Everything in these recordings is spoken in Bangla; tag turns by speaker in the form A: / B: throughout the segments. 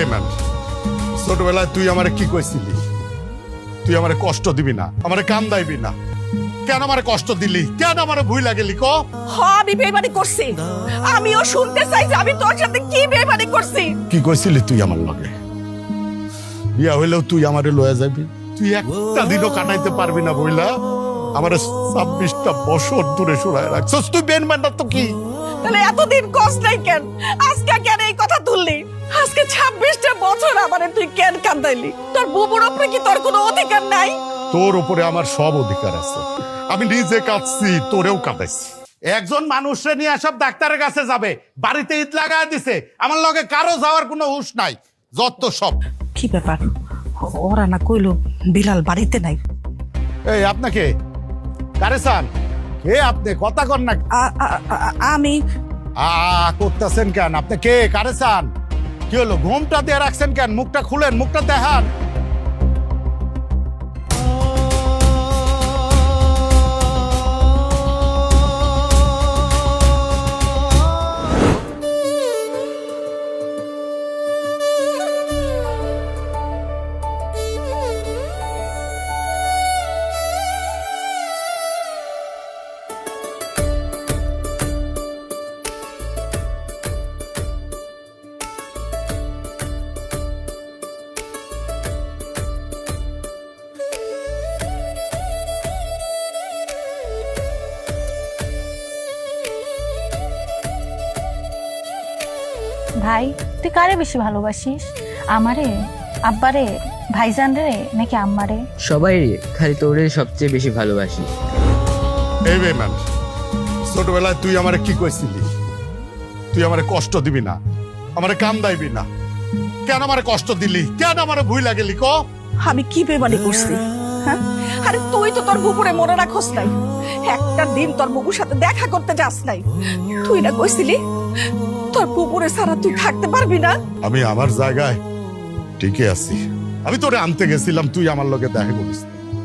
A: বেমান, ছোটবেলায় তুই আমারে কি কইছিলি? তুই আমারে কষ্ট দিবি না, আমারে কান্দাইবি না। কেন আমারে কষ্ট দিলি? কেন আমারে ভুল লাগেলি ক?
B: আমি বেইমানি করছি। আমিও শুনতে চাই যে আমি তোর সাথে কি বেইমানি করছি।
A: কি কইছিলি তুই আমার লগে? বিয়া হইলেও তুই আমারে লয়ে যাবি? তুই একটা দিনও কাটাইতে পারবি না বইলা আমারে 26টা বছর দূরে সরায় রাখছস। তুই বেইমানটা তো কি?
B: তাহলে এতদিন কষ্ট নাই কেন? আজকে কেন এই কথা তুললি? আজকে 26টা বছর আমারে তুই কেন কান্দাইলি? তোর বুবুর উপরে কি তোর কোনো অধিকার নাই?
A: তোর উপরে আমার সব অধিকার আছে। আমি নিজে কাঁদছি, তোরেও কাঁদাইছি। একজন মানুষরে নিয়ে সব ডাক্তারের কাছে যাবে, বাড়িতে ঈদ লাগায় দিছে, আমার লগে কারো যাওয়ার কোনো হুঁশ নাই। যত সব।
B: কি ব্যাপার? ওরা না কইলো বিলাল বাড়িতে নাই।
A: এই আপনাকে কারে চান? কে আপনি? কথা কর না।
B: আমি
A: করতেছেন কেন? আপনি কে? কারে চান? কি হলো? ঘুমটা দিয়ে রাখছেন কেন? মুখটা খুলেন, মুখটা দেখান।
C: ভাই, তুই কারে বেশি ভালোবাসিস? আমারে, আব্বারে, ভাইজান রে নাকি আম্মারে?
D: সবাই রে, খালি তোরে সবচেয়ে বেশি ভালোবাসি।
A: এই বেমান, ছোটবেলায় তুই আমারে কি কইছিলি? তুই আমারে কষ্ট দিবি না, আমারে কান্দাইবি না। কেন আমারে কষ্ট দিলি? কেন আমারে ভুল লাগেলি ক?
B: আমি কি বেইমানি করছি? হ্যাঁ, আরে তুই তো তোর বুবুরে মনে রাখস নাই। একটা দিন তোর বুবুর সাথে দেখা করতে যাস নাই। তুই না কইছিলি তোর বুবুরে ছাড়া তুই থাকতে পারবি না?
A: আমি আমার জায়গায় ঠিকই আছি। আমি তোরে আনতে গেছিলাম, তুই আমার লগে দেখা করিস।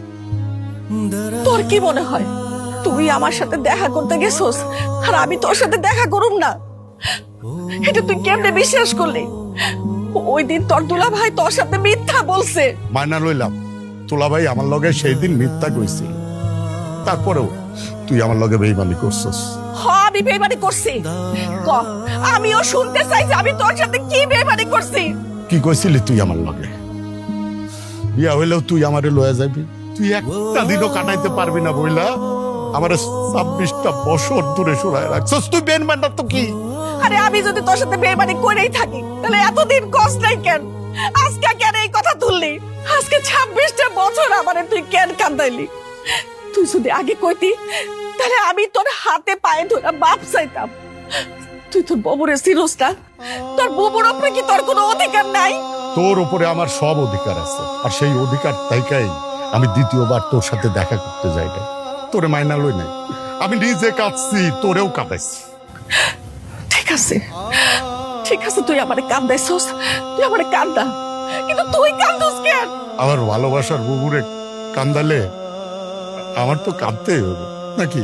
B: তোর কি মনে হয় তুই আমার সাথে দেখা করতে গেছস আর আমি তোর সাথে দেখা করুম না? এটা তুই কেমনে বিশ্বাস করলি? ওই দিন তোর দুলা ভাই তোর সাথে মিথ্যা বলছে।
A: মাইনা লইলাম, তোলা ভাই আমার লগে সেই দিন মিথ্যা কইছিল। তারপরেও তুই আমার লগে বেইমানি করছস।
B: আমি বেইমানি করছি। আমিও শুনতে চাই যে আমি তোর সাথে কি বেইমানি করছি।
A: কি কইছিলি তুই আমার লগে? বিয়া হইলেও তুই আমারে লয়ে যাবি? তুই একটা দিনও কাটাইতে পারবি না বইলা আমারে 26টা বছর দূরে সরায় রাখছস। তুই বেইমানটা তো কি?
B: আরে আমি যদি তোর সাথে বেইমানি করেই থাকি তাহলে এতদিন কষ্ট নাই কেন? আজকে কেন এই কথা তুললি? আজকে 26টা বছর আমারে তুই কেন কান্দাইলি? তুই যদি আগে কইতি তাহলে আমি তোর হাতে পায়ে ধরে মাপ চাইতাম। তুই তোর বুবুরে চিনস না? তোর বুবুর উপরে কি তোর কোনো অধিকার নাই?
A: তোর উপরে আমার সব অধিকার আছে, আর সেই অধিকার তাইকাই আমি দ্বিতীয়বার তোর সাথে দেখা করতে যাই নাই। তোরে মাইনা লই নাই, আমি নিজে কাঁদছি, তোরেও কাঁদাইছি।
B: ঠিক আছে, ঠিক আছে, তুই আমারে কান্দাইছস, তুই আমারে কান্দা, কিন্তু তুই কান্দস কেন?
A: আমার ভালোবাসার বুবুরে কান্দালে আমার তো কাঁদতেই হবে নাকি?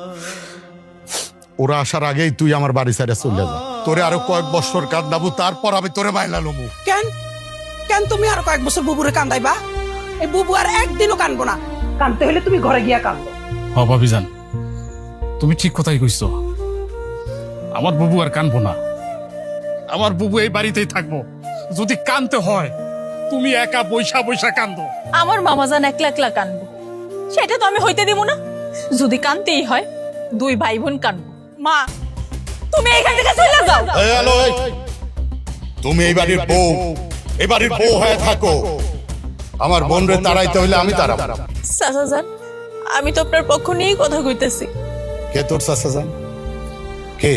A: ওরা আসার আগেই তুই আমার বাড়ি ছেড়ে চলে যা। তোরে আরো কয়েক বছর কান্দাবো, তারপর আমি তোরে মাইনা লমু।
E: কেন কেন তুমি আরো কয়েক বছর বুবুরে কান্দাইবা? এই বুবু আর একদিনও কানবো না। কানতে হলে তুমি ঘরে গিয়া কান্দো।
F: ভাবিজান, তুমি ঠিক কথাই কইছো। আমার বুবু আর কানবো না, আমার বুবু এই বাড়িতেই থাকবো। যদি কানতে হয় তুমি একা বৈশা বৈশা কান্দো।
G: আমার মামাজান একলা একলা কানবো, সেটা তো আমি হইতে দিব না। যদি কানতেই হয় দুই ভাই বোন কানবো। মা, তুমি এইখান থেকে চলে যাও।
A: এই হ্যালো, তুমি এই বাড়ির বউ, এই বাড়ির বউ হয়ে থাকো। আমার বোনরে তাড়াইতে হইলে আমি তাড়াবো।
G: চাচাজান, আমি তো আপনার পক্ষ নিয়েই কথা কইতেছি।
A: কে তোর চাচা জান? কে?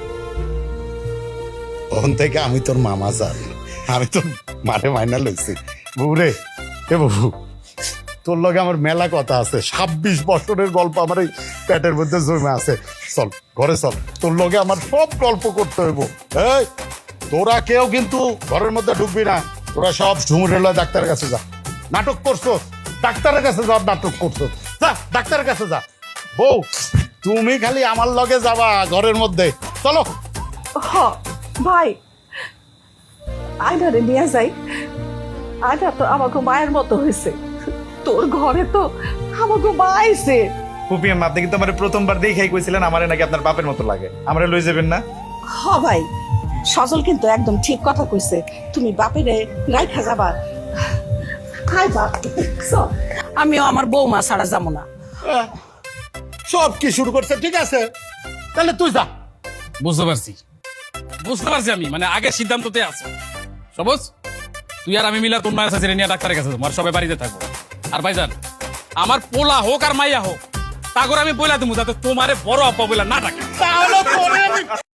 A: ওখান থেকে আমি তোর মামা জান, আমি তোর মারে মাইনা লইছি। বউরে, এ বাবু, তোর লগে আমার মেলা কথা আছে। 26 বছরের গল্প আমার এই পেটের মধ্যে জমে আছে। চল ঘরে চল, তোর লগে আমার সব গল্প করতে হইব। এই তোরা কেউ কিন্তু ঘরের মধ্যে ঢুকবি না। তোরা সব ঝুমুরের লয় ডাক্তারের কাছে যা। নাটক করছো, ডাক্তারের কাছে যা। নাটক করছো, যা ডাক্তারের কাছে যা। বউ, তুমি খালি আমার লগে যাবা ঘরের মধ্যে। চলো।
B: ভাই, আয়নারে নিয়ে যাই। আয়না তো আমাকে মায়ের মতো হয়েছে, তোর ঘরে তো আমাকে মা আইছে।
H: ফুপি আম্মা, আপনি কিন্তু আমার প্রথমবার দেখেই কইছিলেন আমারে নাকি আপনার বাপের মতো লাগে, আমারে লই যাবেন না?
B: হ ভাই, সজল কিন্তু একদম ঠিক কথা কইছে, তুমি বাপেরে রাইখা যাবা। হাই বাপ, চল।
E: আমিও আমার বৌমা ছাড়া যাবো না।
A: সব কি শুরু করছে? ঠিক আছে, তাহলে তুই যা।
F: বুঝতে পারছি আমি, মানে আগে সিদ্ধান্ততে আছে। সবুজ, তুই আর আমি মিলা তোর মায়ের সাথে নিয়ে ডাক্তারের কাছে যাবো, আর সবাই বাড়িতে থাকবো। আর ভাইজান, আমার পোলা হোক আর মাইয়া হোক, তাগর আমি বইলা দেবো যাতে তোমারে বড় আপা বইলা না ডাকে।
A: তাহলে পরে আমি